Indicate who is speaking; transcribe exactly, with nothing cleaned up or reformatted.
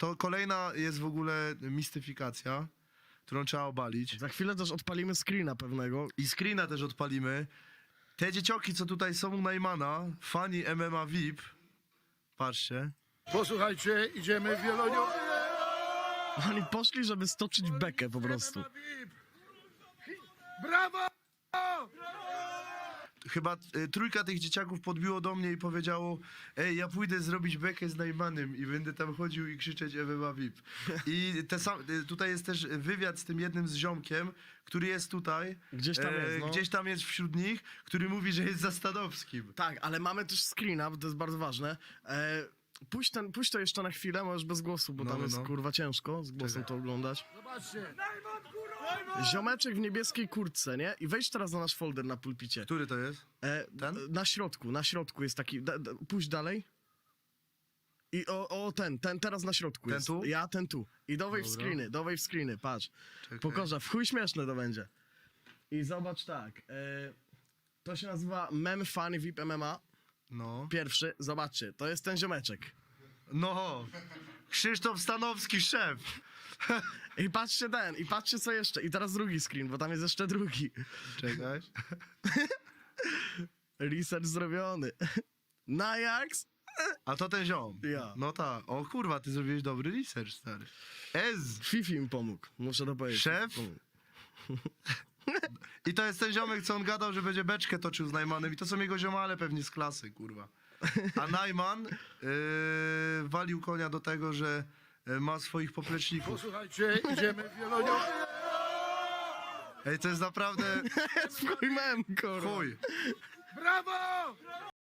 Speaker 1: to kolejna jest w ogóle mistyfikacja, którą trzeba obalić.
Speaker 2: Za chwilę też odpalimy screena pewnego.
Speaker 1: I screena też odpalimy. Te dziecioki, co tutaj są u Najmana, fani M M A V I P, patrzcie.
Speaker 3: Posłuchajcie, idziemy w Wieloniu.
Speaker 2: Oni poszli, żeby stoczyć bekę po prostu.
Speaker 3: Brawo!
Speaker 1: Chyba y, trójka tych dzieciaków podbiło do mnie i powiedziało: ej, ja pójdę zrobić bekę z Najmanem i będę tam chodził i krzyczeć M M A V I P. I te sam, y, tutaj jest też wywiad z tym jednym z ziomkiem, który jest tutaj.
Speaker 2: Gdzieś tam jest, no.
Speaker 1: Gdzieś tam jest wśród nich, który mówi, że jest za Stanowskim.
Speaker 2: Tak, ale mamy też screena, bo to jest bardzo ważne. E, puść, ten, puść to jeszcze na chwilę, możesz bez głosu, bo
Speaker 1: No,
Speaker 2: tam
Speaker 1: no,
Speaker 2: jest
Speaker 1: no.
Speaker 2: kurwa ciężko z głosem to oglądać.
Speaker 3: Zobaczcie.
Speaker 2: Ziomeczek w niebieskiej kurtce, nie? I wejdź teraz na nasz folder na pulpicie.
Speaker 1: Który to jest?
Speaker 2: E,
Speaker 1: Ten?
Speaker 2: Na środku, na środku jest taki. Da, da, pójdź dalej. I o, o ten, ten teraz na środku
Speaker 1: Ten
Speaker 2: jest.
Speaker 1: tu?
Speaker 2: Ja, ten tu. I dowej w
Speaker 1: Dobra.
Speaker 2: screeny, dowej w screeny, patrz.
Speaker 1: Czekaj.
Speaker 2: Pokorza, w chuj śmieszne to będzie. I zobacz tak. E, to się nazywa Mem Funny V I P M M A.
Speaker 1: No.
Speaker 2: Pierwszy, zobaczcie, to jest ten ziomeczek.
Speaker 1: No. Krzysztof Stanowski, szef.
Speaker 2: I patrzcie ten, i patrzcie co jeszcze. I teraz drugi screen, bo tam jest jeszcze drugi.
Speaker 1: Czekaj.
Speaker 2: Research zrobiony. Najax?
Speaker 1: A to ten ziom.
Speaker 2: Ja.
Speaker 1: No tak. O kurwa, ty zrobiłeś dobry research, stary. Ez.
Speaker 2: Fifi mi pomógł, muszę to powiedzieć.
Speaker 1: Szef?
Speaker 2: Pomógł.
Speaker 1: I to jest ten ziomek, co on gadał, że będzie beczkę toczył z Najmanem. I to są jego ziomale pewnie z klasy, kurwa. A Najman yy, walił konia do tego, że yy, ma swoich popleczników.
Speaker 3: Posłuchajcie, idziemy w Wieloniu.
Speaker 1: Ej, to jest naprawdę
Speaker 2: Chuj mem, kurwa.
Speaker 1: chuj.
Speaker 3: Brawo!